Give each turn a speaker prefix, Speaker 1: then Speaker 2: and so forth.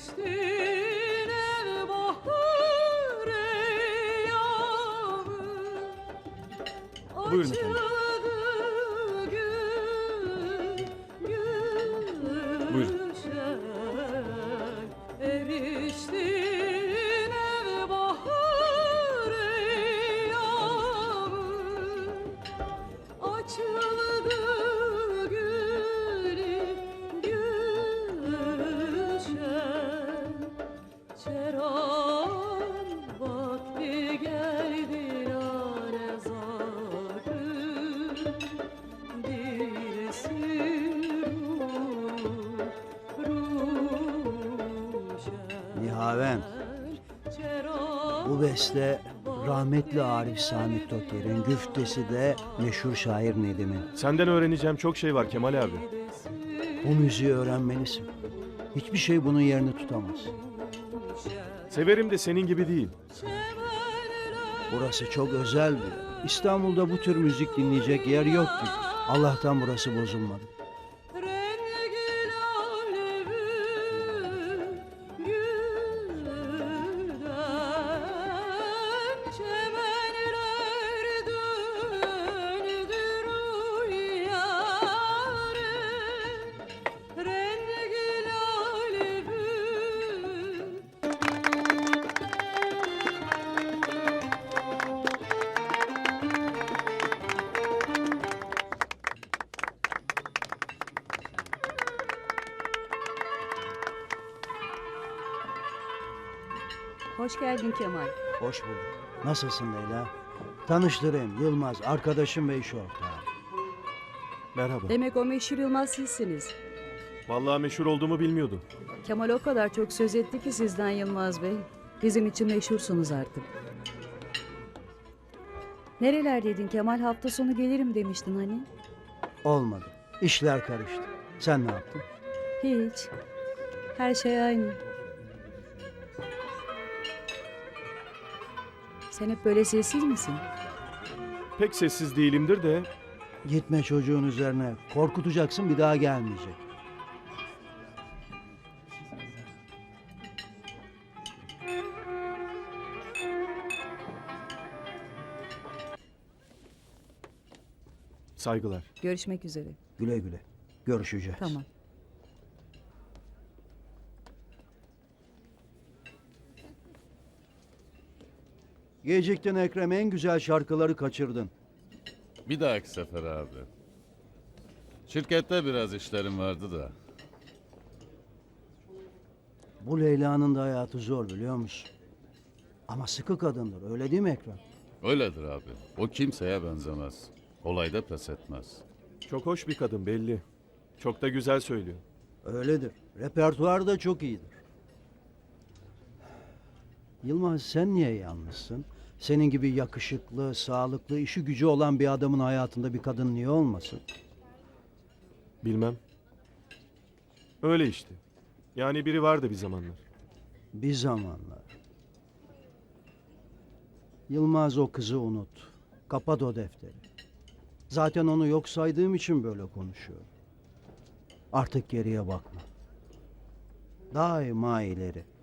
Speaker 1: Buyurun efendim. Buyurun.
Speaker 2: Nihavend, bu beste rahmetli Arif Sami Toker'in, güftesi de meşhur şair Nedim'in.
Speaker 1: Senden öğreneceğim çok şey var Kemal abi.
Speaker 2: Bu müziği öğrenmelisin. Hiçbir şey bunun yerini tutamaz.
Speaker 1: Severim de senin gibi değil.
Speaker 2: Burası çok özel bir yer. İstanbul'da bu tür müzik dinleyecek yer yok ki. Allah'tan burası bozulmadı.
Speaker 3: Hoş geldin Kemal.
Speaker 2: Hoş bulduk. Nasılsın Leyla? Tanıştırayım, Yılmaz, arkadaşım ve iş ortağı.
Speaker 1: Merhaba.
Speaker 3: Demek o meşhur Yılmaz sizsiniz.
Speaker 1: Vallahi meşhur olduğumu bilmiyordum.
Speaker 3: Kemal o kadar çok söz etti ki sizden Yılmaz Bey. Bizim için meşhursunuz artık. Nerelerdeydin Kemal? Hafta sonu gelirim demiştin hani.
Speaker 2: Olmadı. İşler karıştı. Sen ne yaptın?
Speaker 3: Hiç. Her şey aynı. Sen hep böyle sessiz misin?
Speaker 1: Pek sessiz değilimdir de
Speaker 2: Gitme çocuğun üzerine. Korkutacaksın, bir daha gelmeyecek.
Speaker 1: saygılar.
Speaker 3: Görüşmek üzere.
Speaker 2: Güle güle. Görüşeceğiz.
Speaker 3: Tamam.
Speaker 2: Geciktin Ekrem, en güzel şarkıları kaçırdın.
Speaker 4: Bir dahaki sefer abi. Şirkette biraz işlerim vardı da.
Speaker 2: Bu Leyla'nın da hayatı zor, biliyor musun? Ama sıkı kadındır, öyle değil mi Ekrem?
Speaker 4: Öyledir abi. O kimseye benzemez. Olayda pes etmez.
Speaker 1: Çok hoş bir kadın belli. Çok da güzel söylüyor.
Speaker 2: Öyledir. Repertuarı da çok iyidir. Yılmaz, sen niye yalnızsın? Senin gibi yakışıklı, sağlıklı, işi gücü olan bir adamın hayatında bir kadın niye olmasın?
Speaker 1: Bilmem. Öyle işte. Yani biri vardı bir zamanlar.
Speaker 2: Bir zamanlar. Yılmaz, o kızı unut. Kapat o defteri. Zaten onu yok saydığım için böyle konuşuyorum. Artık geriye bakma. Daima ileri.